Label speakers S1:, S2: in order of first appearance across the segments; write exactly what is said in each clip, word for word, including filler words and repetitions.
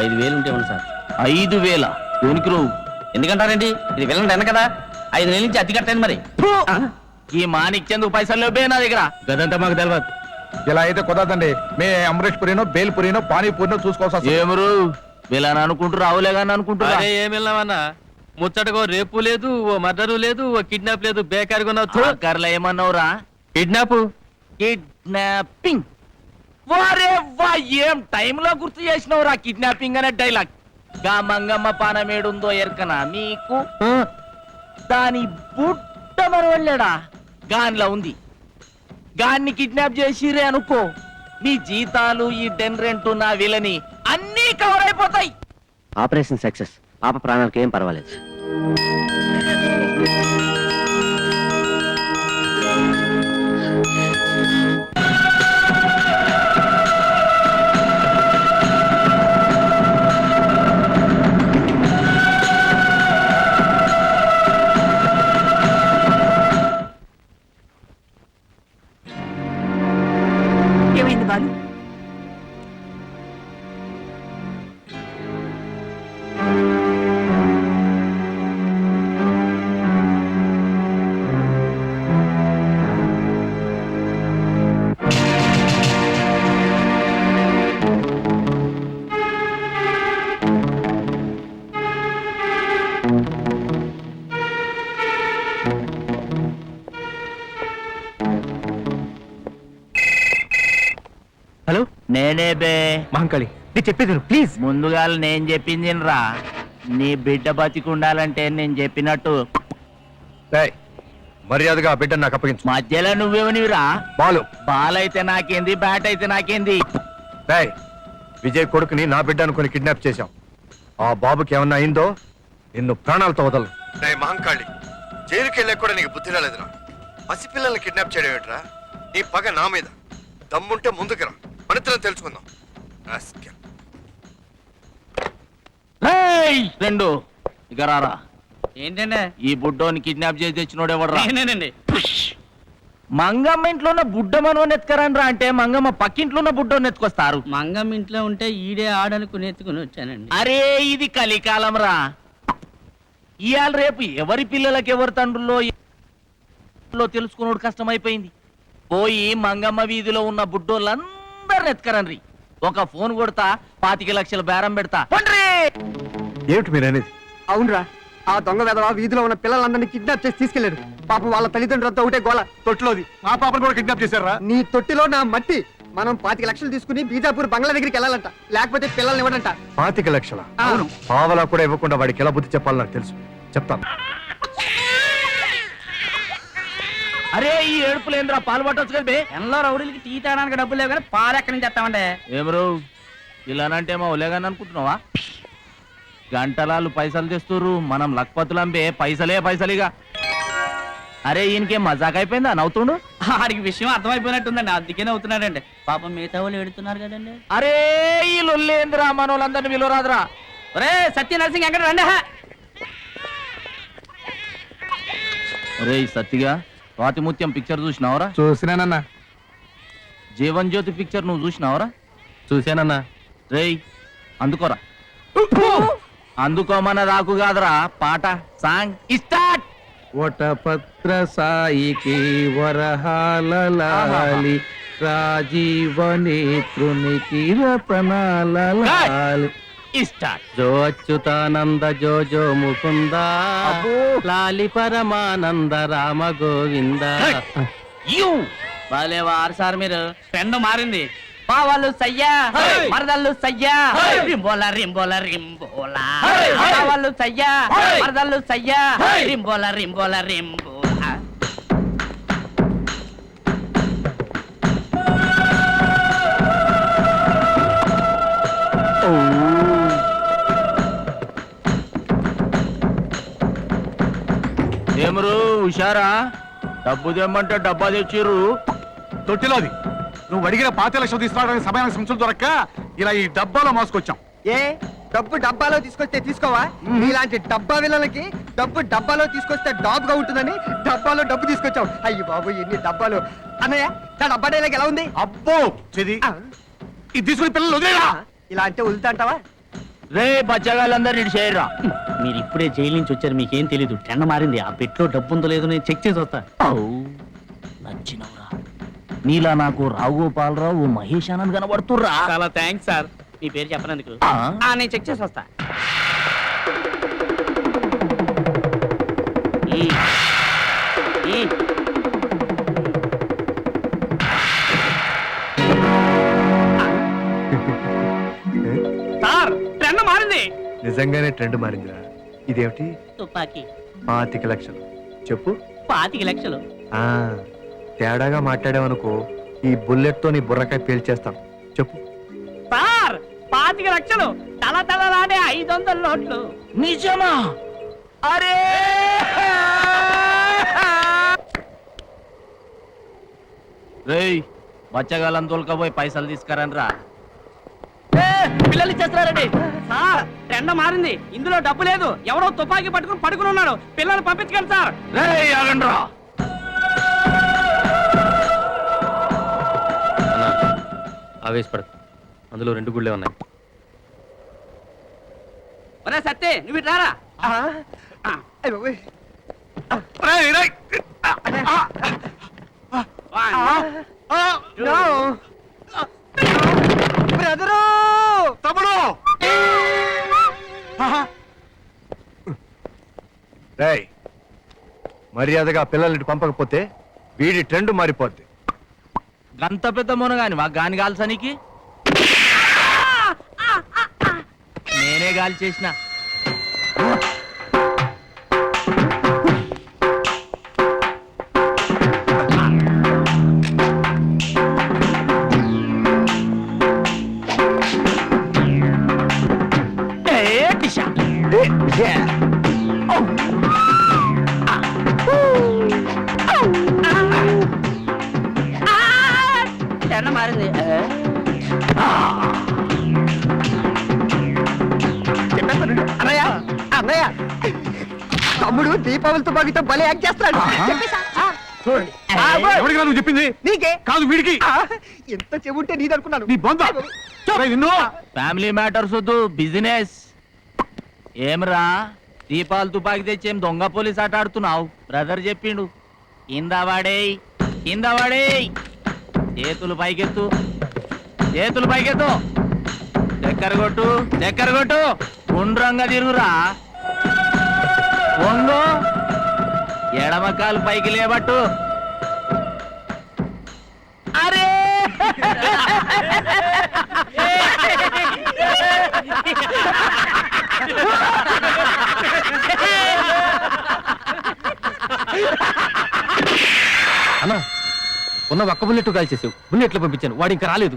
S1: ఐదు వేలు ఉంటే ఉంది సార్.
S2: ఐదు వేల ఊనికి నువ్వు
S1: ఎందుకంటారండి, ఇది వెళ్ళండి ఎన్న కదా, ఐదు నెలల నుంచి అతి కట్టండి మరి.
S2: ఈ మానిచ్చేందుకు పైసలు లేవే నా దగ్గర.
S1: గదంతా మాకు తెలియదు.
S3: ఇలా అయితే కుదరదండి. మే అమరేష్ పురినో బేల్ పురినో పానీపూరినో చూసుకోవాల్సి వస్తుంది.
S2: ఏమరు వీళ్ళని అనుకుంటూ రావులే కానీ అనుకుంటున్నా.
S4: ఏం వెళ్ళామన్నా, ముచ్చటకో రేపు లేదు, ఓ మర్డరు లేదు, ఓ కిడ్నాప్ లేదు, బేకారిగా
S2: కర్ల ఏమన్నావురా?
S4: Kidnap
S2: kidnapping. వారే వా, ఏం టైంలో గుర్తు చేసినవురా కిడ్నాపింగ్ అనే డైలాగ్. గా మంగమ్మ పానమేడుందో ఎరకనా మీకు? దాని బుట్ట మరవళ్ళాడా గాన్లా ఉంది. గాన్ని కిడ్నాప్ చేసిరే అనుకో, మీ జీతాలు, ఈ డెన్ రెంట్, నా విలని అన్నీ కవర్ అయిపోతాయి.
S1: Operation success. పాప ప్రాణాలకు ఏం పర్వాలేదు.
S5: ఏమైంది బాలు?
S1: హలో,
S2: నేనే బే
S1: మహంకాళి, నేను చెప్పేది ప్లీజ్.
S2: ముందుగా నేను చెప్పింది రా, నీ బిడ్డ బతికుండాలంటే నేను చెప్పినట్టు
S3: ఏయ్, మర్యాదగా ఆ బిడ్డను నాకు అప్పగించు.
S2: మధ్యలో నువ్వేమనివిరా?
S3: బాలు.
S2: బాల్ అయితే నాకేంది, బ్యాట్ అయితే నాకేంది.
S3: ఏయ్, విజయ్ కొడుకుని నా బిడ్డ అనుకుని కిడ్నాప్ చేశాం. ఆ బాబుకి ఏమన్నా అయిందో నిన్ను ప్రాణాలతో వదలను. మహంకాళి, జైలుకి వెళ్ళా కూడా నీకు బుద్ధి రాలేదురా. పసిపిల్లల్ని కిడ్నాప్ చేయడం ఏంట్రా? నీ పగ నా మీద. దమ్ముంటే ముందుకు రా, మనిద్దరం తెలుసుకుందాం.
S2: రేయ్, రెండు ఇక రారా.
S4: ఏంటండి?
S2: ఈ బుడ్డోని కిడ్నాప్ చేసి తెచ్చినోడెవడరా?
S4: నేనేనండి.
S2: మంగమ్మ ఇంట్లో ఉన్న బుడ్డ మనోని ఎత్తుకరండ్రా అంటే మంగమ్మ పక్కింట్లో ఉన్న బుడ్డోని ఎత్తుకొస్తారు.
S4: మంగమ్మ ఇంట్లో ఉంటే ఈడే ఆడనుకుని ఎత్తుకుని వచ్చానండి.
S2: అరే ఇది కలికాలం రా. ఇవాళ రేపు ఎవరి పిల్లలకి ఎవరి తండ్రుల్లో తెలుసుకున్నాడు కష్టమైపోయింది. పోయి మంగమ్మ వీధిలో ఉన్న బుడ్డోళ్ళందరిని ఎత్తుకరండ్రి. ఒక ఫోన్ కొడతా, పాతిక లక్షల బేరం పెడతా.
S3: ఏమిటి మీరు అనేది?
S6: అవునరా, ఆ దొంగ వెధవ వీధిలో ఉన్న పిల్లలందరినీ కిడ్నాప్ చేసి తీసుకెళ్లాడు. పాపం వాళ్ళ తల్లిదండ్రులతో ఒకటే గోల.
S3: తొట్టిలోది మా పాపను కూడా కిడ్నాప్ చేశారా?
S6: నీ తొట్టిలో నా మట్టి. మనం పాతిక లక్షలు తీసుకుని బీజాపూర్ బంగ్లా దగ్గరికి వెళ్ళాలంట, లేకపోతే పిల్లల్ని ఇవ్వడంట.
S3: పాతిక లక్షల?
S6: అవును.
S3: పావలా కూడా ఇవ్వకుండా వాడికి ఎలా బుద్ధి చెప్పాలి నాకు తెలుసు, చెప్తాను.
S2: అరే ఈ ఏడుపులేంద్రా, పాలు పట్టొచ్చు కదా బే.
S4: ఎన్నో రౌడీలకి టీ తాగడానికి డబ్బులు లేవు కానీ పాలు ఎక్కడి నుంచి తెస్తామండి?
S2: ఏమరు ఇలానంటే మా ఒలేగాని అనుకుంటున్నావా? గంటలాలు పైసలు తెస్తుర్రు, మనం లక్పతులంబే పైసలే పైసలిగా. అరే ఈయనకేం మజాక్ అయిపోయిందా నవ్వుతుండు?
S4: ఆడికి విషయం అర్థమైపోయినట్టుందండి, అందుకే నవ్వుతున్నాడండి. పాపం మిగతా వాళ్ళు ఏడుతున్నారు కదండి.
S2: అరే ఈ లొల్లేంద్రా, మన వాళ్ళందరినీ విలువరాదురా.
S4: ఒరే సత్య నరసింగ్ ఎక్కడ రండి.
S2: అరే సత్తిగా స్వాతిముత్యం పిక్చర్ చూసినావరా?
S3: చూసినానన్నా.
S2: జీవన్ జ్యోతి పిక్చర్ నువ్వు చూసినావరా?
S1: చూశానన్నా.
S2: రేయ్ అందుకోరా. అందుకోమన్న రాకు కాదురా, పాట సాంగ్ స్టార్ట్.
S1: వటపత్ర సాయికి వరహాలలాలి, రాజీవనేత్రునికి రతనాలలాలి.
S2: స్టార్ట్.
S1: జో అచ్యుతానంద జో జో ముకుంద, లాలి పరమానంద రామ గోవింద.
S2: యు
S4: బాలే వారు సార్ మీరు. పెండ మారింది. పావాళ్ళు సయ్యా, మరదళ్ళు సయ్యా, రింబోలా రింబోలా రింబోలా. పావాళ్ళు సయ్యా, మరదళ్ళు సయ్యా, రింబోలా రింబోలా రింబోలా.
S2: ఏమరు హుషారా? డబ్బు తెమ్మంటే డబ్బా తెచ్చిర్రు.
S3: తొట్టిలోది. నువ్వు అడిగిన పాతి లక్షలు తీసుకురావడానికి సమయానికి సంచులు దొరక్క ఇలా ఈ డబ్బాలో మోసుకొచ్చాం.
S6: ఏ డబ్బు డబ్బాలో తీసుకొస్తే తీసుకోవా? ఇలాంటి డబ్బా విలలకి డబ్బు డబ్బాలో తీసుకొస్తే డాబ్గా ఉంటుందని డబ్బాలో డబ్బు తీసుకొచ్చావు. అయ్యి బాబు ఎన్ని డబ్బాలు. అన్నయ్య నా డబ్బా డైలాగ్ ఎలా ఉంది?
S3: అబ్బో చెది. ఇది తీసుకుని పిల్లలు వదిలేరా?
S6: ఇలా అంటే వదులుతా అంటావా?
S2: రే బచ్చగాళ్ళందరూ ఇటు చేయరా.
S4: మీరు ఇప్పుడే జైలు నుంచి వచ్చారు, మీకేం తెలీదు. టెండ మారింది. ఆ పెట్లో డబ్బు ఉందో లేదో నేను చెక్ చేసి వస్తా.
S2: నచ్చినవురా. నీలా నాకు రావుగోపాలరావు మహేష్ ఆనంద్ కనబడుతుర్రా.
S4: చాలా థ్యాంక్స్ సార్, మీ పేరు చెప్పనందుకు.
S2: ఆ?
S4: ఆ, నేను చెక్ చేసి వస్తా. ఈ. ఈ. సార్ టెండ మారింది.
S3: నిజంగానే ట్రెండ్ మారిందిరా. ఇదేమిటి?
S4: తుపాకీ
S3: పాతిక లక్షలు. చెప్పు.
S4: పాతిక లక్షలు.
S3: ఆ తేడాగా మాట్లాడావనుకో ఈ బుల్లెట్ తో నీ బుర్రకాయ పేల్చేస్తాం. చెప్పు.
S4: సార్ పాతిక లక్షలు తల తలలాడే ఐదు వందల నోట్లు.
S2: నిజమా? అరే రేయ్ బచ్చగాళ్ళని తోలుకపోయి పైసలు తీసుకురండి రా.
S4: పిల్లలు ఇచ్చేస్తున్నారండి. సార్ టెండ మారింది, ఇందులో డబ్బు లేదు. ఎవరో తుపాకీ పట్టుకుని పడుకుని ఉన్నాడు. పిల్లలు పంపించగలరు సార్.
S2: రేయ్ ఆగండి రా.
S1: ఆవేశపడదు, అందులో రెండు గుళ్ళే ఉన్నాయి.
S4: ఒరే సత్తే నువ్వు ఇటు రారా.
S6: ఆ, అయ్ బాబోయ్.
S2: రేయ్, రేయ్.
S6: నో. బ్రదరు
S3: తమ్ముడు. రేయ్ మర్యాదగా పిల్లల్ని పంపకపోతే వీడి ట్రెండ్ మారిపోద్ది.
S2: గంత పెద్ద మునగాని మా గాని కాల్సనికి నేనే గాలి చేసిన. ఏ టిషా.
S4: టెండ మారింది.
S6: అన్నయ్య అన్నయ్య తమ్ముడు దీపావళి తుపాకీతో భలే యాక్ట్ చేస్తాడు. చెప్పేసా? ఆ, చూడండి. ఆ, బాయ్.
S3: ఎవరికి నువ్వు చెప్పింది?
S6: నీకే
S3: కాదు వీడికి.
S6: ఆ, ఎంత చెబుంటే నీది అనుకున్నాను.
S3: నీ బొంద. నిన్ను
S2: ఫ్యామిలీ మ్యాటర్స్ వద్దు, బిజినెస్. ఏమ్రా దీపాలు తుపాకి తెచ్చి ఏం దొంగ పోలీస్ ఆట ఆడుతున్నావు? బ్రదర్ చెప్పిండు. కింద వాడేయ్, కింద వాడేయ్. చేతులు పైకెత్తు, చేతులు పైకెత్తు. చక్కెర కొట్టు, చక్కెర కొట్టు. గుండ్రంగా తిరుగురా. వంగు, ఎడమకాలు పైకి లేబట్టు. అరే
S1: అన్నా ఉన్న ఒక్క బుల్లెట్ కాల్చేసావు, బుల్లెట్లు పంపించాను, వాడు ఇంకా రాలేదు.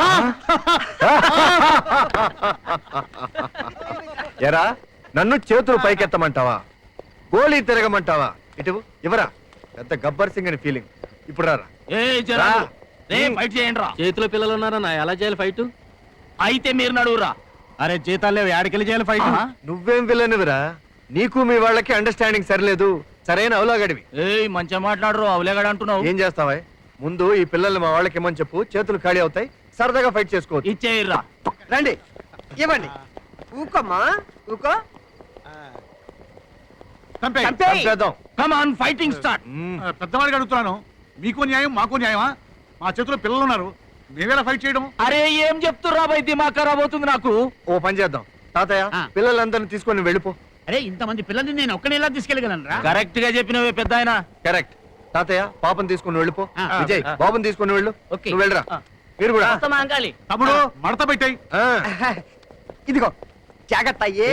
S3: ఎరా నన్ను చేతులు పైకెత్తమంటావా? గోళీ తిరగమంటావా? ఇటు ఇవరా. పెద్ద గబ్బర్ సింగ్ అని ఫీలింగ్. ఇప్పుడు రారా.
S2: ఏ జరా
S3: రా.
S2: రే ఫైట్ చేయండి రా.
S1: చేతిలో పిల్లలు ఉన్నారన్నా, ఎలా చేయాలి ఫైట్?
S2: అయితే మీరు నడువురా.
S1: అరే జీతాలు ఏడకెళ్ళి చేయాలి ఫైట్?
S3: నువ్వేం విలనివిరా? నీకు మీ వాళ్ళకి అండర్స్టాండింగ్ సరిలేదు. సరైన అవలాగడివి.
S2: ఏయ్ మంచిగా మాట్లాడరు, అవలేగాడు అంటున్నావు.
S3: ఏం చేస్తావా? ముందు ఈ పిల్లల్ని మా వాళ్ళకి ఇమ్మని చెప్పు. చేతులు ఖాళీ అవుతాయి, సరదాగా ఫైట్ చేసుకోవచ్చు.
S2: ఇచ్చేయర్రా.
S6: రండి ఇవ్వండి. ఊకోమ్మా ఊకో. చంపేయ్.
S3: చంపేద్దాం.
S2: Come on fighting start.
S3: మ్మ్.
S5: పెద్దవాడికి అడుగుతున్నాను, మీకు న్యాయం మాకు న్యాయమా? మా చేతిలో పిల్లలు ఉన్నారు, మేమేలా ఫైట్ చేయడం?
S2: అరే ఏం చెప్తుర్రా బై, దిమాగ్ ఖరాబ్ అవుతుంది నాకు.
S3: ఓ పని చేద్దాం తాతయ్య,
S4: ఆ.
S3: పిల్లలందరినీ తీసుకొని వెళ్ళిపో.
S4: అరే ఇంతమంది పిల్లల్ని నేను ఒక్కనే ఎలా తీసుకెళ్ళగలను రా?
S2: కరెక్ట్ గా చెప్పినవే పెద్ద ఆయన.
S3: కరెక్ట్. తాతయ్య పాపని తీసుకొని వెళ్ళిపో.
S4: ఆ.
S3: విజయ్
S2: ఆ.
S3: బాబుని తీసుకొని వెళ్ళు.
S4: ఓకే.
S3: నువ్వు వెళ్ళరా.
S4: ఆ.
S3: మీరు కూడా.
S4: అంకాలి
S5: తమ్ముడు మడత పెట్టాయి.
S3: ఆ.
S6: ఇదిగో జాగ్రత్త. ఏ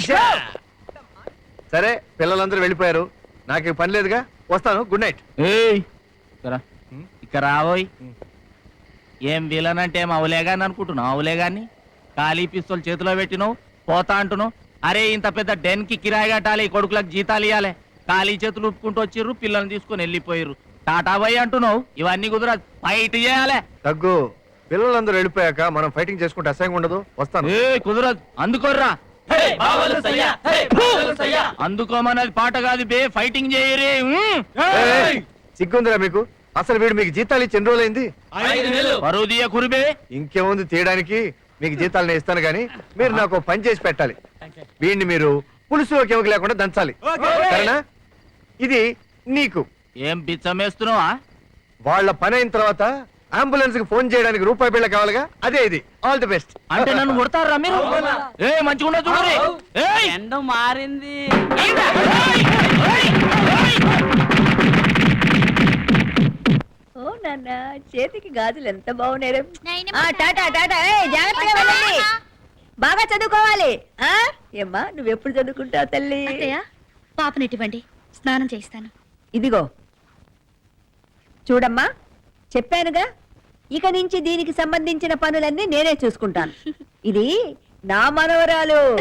S3: సరే పిల్లలందరూ వెళ్ళిపోయారు, నాకు ఇక పని లేదుగా. వస్తాను. Good night.
S2: ఏయ్ ఇక్కడ
S3: హ్మ్?
S2: ఇక్కడ రాబోయ్.
S3: హ్మ్.
S2: ఏం విలన్ అంటే ఏం అవలేగాని అనుకుంటున్నావు? అవలేగాని ఖాళీ పిస్తోల్ చేతిలో పెట్టినావు, పోతా అంటున్నావు. అరే ఇంత పెద్ద డెన్ కి కిరాయి కట్టాలి, కొడుకులకు జీతాలు ఇవ్వాలి. ఖాళీ చేతులు ఉప్పుకుంటూ వచ్చిర్రు, పిల్లల్ని తీసుకొని వెళ్ళిపోయారు. టాటా బాయ్ అంటున్నావు. ఇవన్నీ కుదరదు, ఫైట్ చేయాలి.
S3: తగ్గు. పిల్లలందరూ వెళ్ళిపోయాక మనం ఫైటింగ్ చేసుకుంటే అసహ్యంగా ఉండదు. వస్తాను.
S2: ఏ కుదరదు, అందుకోర్రా. అందుకోమన్నది పాట కాదు బే, ఫైటింగ్ చేయరే.
S3: ఏయ్, సిగ్గుందిరా మీకు? అసలు వీడు మీకు జీతాలు ఇచ్చి ఎన్ని రోజులైంది?
S2: పరువు తీయ కురిబే.
S3: ఇంకేముంది తీయడానికి? మీకు జీతాలు నేను ఇస్తాను కానీ మీరు నాకు ఓ పని చేసి పెట్టాలి. వీడిని మీరు పులుసులోకి ఇవ్వక లేకుండా దంచాలి. సరేనా? ఇది నీకు.
S2: ఏం బిచ్చమేస్తున్నావా?
S3: వాళ్ళ పని అయిన తర్వాత అంబులెన్స్ కి ఫోన్ చేయడానికి రూపాయి బిళ్ళ కావాలిగా, అదే ఇది. All the best.
S2: అంటే నన్ను కొడతారా మీరు? ఏ మంచిగా చూడండి. ఏయ్!
S4: ఎండ మారింది.
S7: ఓ నాన్న చేతికి గాజులు ఎంత బాగున్నాయి.
S8: నాయనమ్మ,
S7: టాటా టాటా ఏయ్, జాగ్రత్తగా వెళ్ళండి. బాగా చదువుకోవాలి. ఆ ఏమ్మా నువ్వెప్పుడు చదువుకుంటావు తల్లి?
S8: అత్తయ్య పాపనిటివ్వండి, స్నానం చేయిస్తాను.
S7: ఇదిగో చూడమ్మా, చెప్పానుగా ఇక నుంచి దీనికి సంబంధించిన పనులన్నీ నేనే చూసుకుంటాను. ఇది నా మనవరాలు.